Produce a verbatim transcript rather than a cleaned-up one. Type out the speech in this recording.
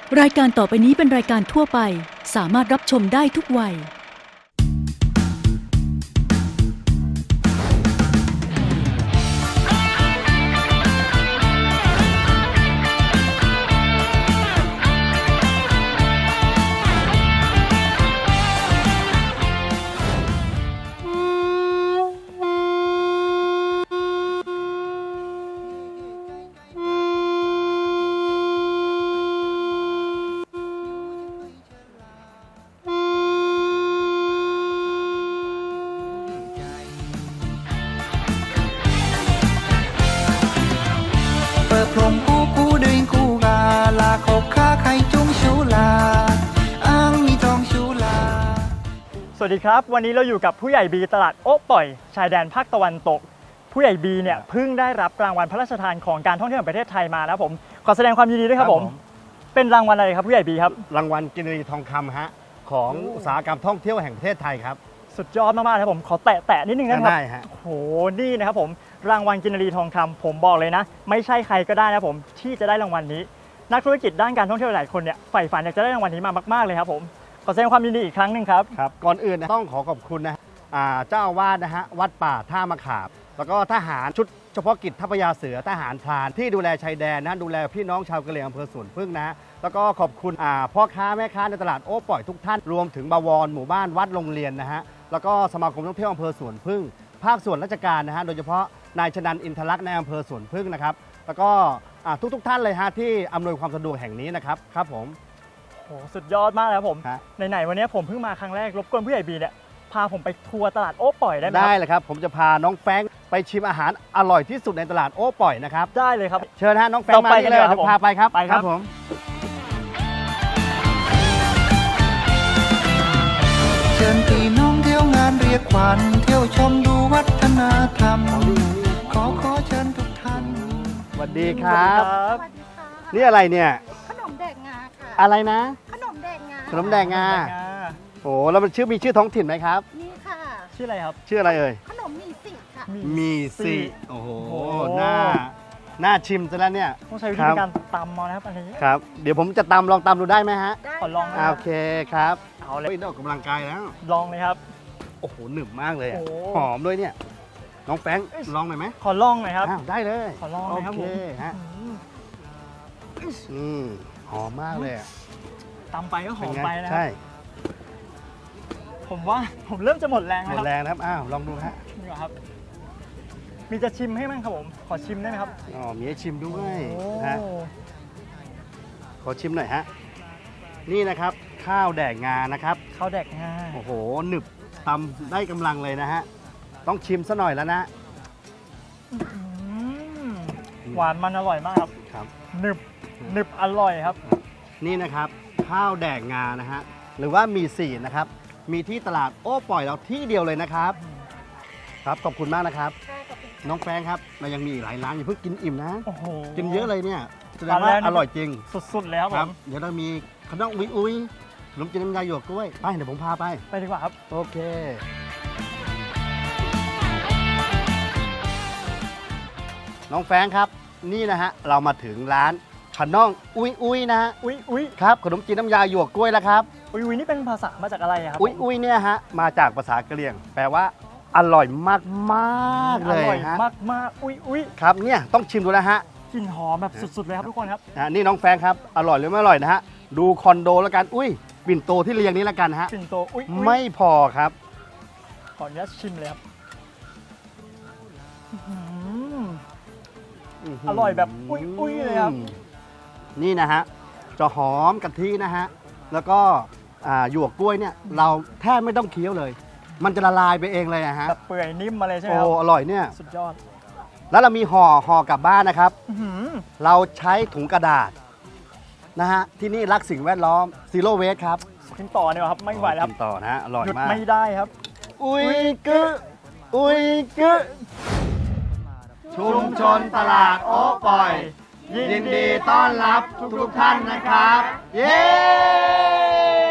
รายการต่อไปนี้เป็นรายการทั่วไปสามารถรับชมได้ทุกวัยเปิดพรมกู้กู้ดึงกู้กาลาขบค้าไข่จุ้งชูลาอ้างมีทองชูลาสวัสดีครับวันนี้เราอยู่กับผู้ใหญ่บีตลาดโอ๊ะปล่อยชายแดนภาคตะวันตกผู้ใหญ่บีเนี่ยเพิ่งได้รับรางวัลพระราชทานของการท่องเที่ยวแห่งประเทศไทยมานะครับผมขอแสดงความยินดีด้วยครับผมเป็นรางวัลอะไรครับผู้ใหญ่บีครับรางวัลกินรีทองคำฮะของอุตสาหกรรมท่องเที่ยวแห่งประเทศไทยครับสุดยอดมากๆครับผมขอแตะแตะนิดนึงนะครับได้ฮะโอ้โหนี่นะครับผมรางวัลกินรีทองคำผมบอกเลยนะไม่ใช่ใครก็ได้นะผมที่จะได้รางวัลนี้นักธุรกิจด้านการท่องเที่ยวหลายคนเนี่ยใฝ่ฝันอยากจะได้รางวัลนี้มามากๆเลยครับผมขอแสดงความยินดีอีกครั้งหนึ่งครับครับก่อนอื่นนะต้องขอขอบคุณนะเจ้าอาวาสนะฮะวัดป่าท่ามะขามแล้วก็ทหารชุดเฉพาะกิจทัพยาเสือทหารพรานที่ดูแลชายแดนนะดูแลพี่น้องชาวกะเหรี่ยงอำเภอสวนพึ่งนะแล้วก็ขอบคุณพ่อค้าแม่ค้าในตลาดโอ๊ะปล่อยทุกท่านรวมถึงบวรหมู่บ้านวัดโรงเรียนนะฮะแล้วก็สมาคมท่องเที่ยวอำเภอสวนพึ่งภาคส่วนราชการนะฮะโดยเฉพาะนายชนันอินทลักษณ์ในอำเภอสวนพึ่งนะครับแล้วก็ทุกทุกท่านเลยฮะที่อำนวยความสะดวกแห่งนี้นะครับครับผมโหสุดยอดมากเลยครับผมไหนๆวันนี้ผมเพิ่งมาครั้งแรกรบกวนผู้ใหญ่บีเนี่ยพาผมไปทัวร์ตลาดโอ๊ะปล่อยได้ไหมได้เลยครับผมจะพาน้องแฟงไปชิมอาหารอร่อยที่สุดในตลาดโอ๊ะปล่อยนะครับได้เลยครับเชิญฮะน้องแฟงมาที่เลยพาไปครับไปครับผมเชิญพี่น้องเที่ยวงานเรียกขวัญเที่ยวชมดูวัฒนธรรมขอขอเชิญทุกท่านสวัสดีครับสวัสดีค่ะนี่อะไรเนี่ยขนมแดกงาค่ะอะไรนะขนมแดกงาขนมแดกงาโอ้แล้วมันชื่อมีชื่อท้องถิ่นไหมครับนี่ค่ะชื่ออะไรครับชื่ออะไรเอ่ยขนมมีสิค่ะมีสิโอ้โหหน้าหน้าชิมซะแล้วเนี่ยต้องใช้วิธีการตำมานะครับอันนี้ครับเดี๋ยวผมจะตำลองตำดูได้ไหมฮะได้ขอลองโอเคครับเอาเลยออกกำลังกายแล้วลองเลยครับโอ้โหหนึบมากเลยหอมด้วยเนี่ยน้องแฟงลองหน่อยไหมขอลองหน่อยครับได้เลยขอลองเลยครับผมฮะอืมหอมมากเลยตำไปก็หอมไปนะใช่ผมว่าผมเริ่มจะหมดแรงแล้วหมดแรงครับอ้าวลองดูฮะนี่ครับมีจะชิมให้มั้งครับผมขอชิมได้ไหมครับอ๋อมีให้ชิมด้วยฮะขอชิมหน่อยฮะนี่นะครับข้าวแดกงานะครับข้าวแดกงาโอ้โหหนึบตำได้กำลังเลยนะฮะต้องชิมซะหน่อยแล้วนะหวานมันอร่อยมากครับครับหนึบหนึบอร่อยครับนี่นะครับข้าวแดกงานะฮะหรือว่ามีสี่นะครับมีที่ตลาดโอ๊ะปล่อยเราที่เดียวเลยนะครับครับขอบคุณมากนะครับน้องแฟงครับเรายังมีอีกหลายร้านอย่าเพิ่งกินอิ่มนะกินเยอะเลยเนี่ยแสดงว่าอร่อยจริงสุดๆแล้วครับเดี๋ยวเรามีขนมอุ้ยอุ้ยขนมจีนน้ำยาหยวกกล้วยไปเดี๋ยวผมพาไปไปดีกว่าครับโอเคน้องแฟงครับนี่นะฮะเรามาถึงร้านขนมอุ้ยอุ้ยนะฮะอุ้ยอุ้ยครับขนมจีนน้ำยาหยวกกล้วยแล้วครับอุ้ยอุ้ยนี่เป็นภาษามาจากอะไรครับอุ้ยอุ้ยเนี่ยฮะมาจากภาษากะเหรี่ยงแปลว่าอร่อยมากมากเลยอร่อยมากมากอุ้ยอุ้ยครับเนี่ยต้องชิมดูแล้วฮะกลิ่นหอมแบบสุดๆเลยครับทุกคนครับนี่น้องแฟงครับอร่อยหรือไม่อร่อยนะฮะดูคอนโดแล้วกันอุ้ยปิ่นโตที่เรียงนี้แล้วกันฮะปิ่นโตอุ้ยไม่พอครับขออนุญาตชิมเลยครับอร่อยแบบอุ้ยอุ้ยเลยครับนี่นะฮะจะหอมกะทินะฮะแล้วก็หยวกกล้วยเนี่ยเราแทบไม่ต้องเคี้ยวเลยมันจะละลายไปเองเลยนะฮะแบบเปื่อยนิ่มมาเลยใช่ไหมครับโอ้อร่อยเนี่ยสุดยอดแล้วเรามีห่อห่อกลับบ้านนะครับเราใช้ถุงกระดาษนะฮะที่นี่รักสิ่งแวดล้อมซีโร่เวสครับกินต่อเนี่ยครับไม่ไหวแล้วกินต่อนะฮะอร่อยมากหยุดไม่ได้ครับอุ้ยกึอุ้ยกึชุมชนตลาดโอ๊ะปล่อยยินดีต้อนรับทุกๆท่านนะครับเย้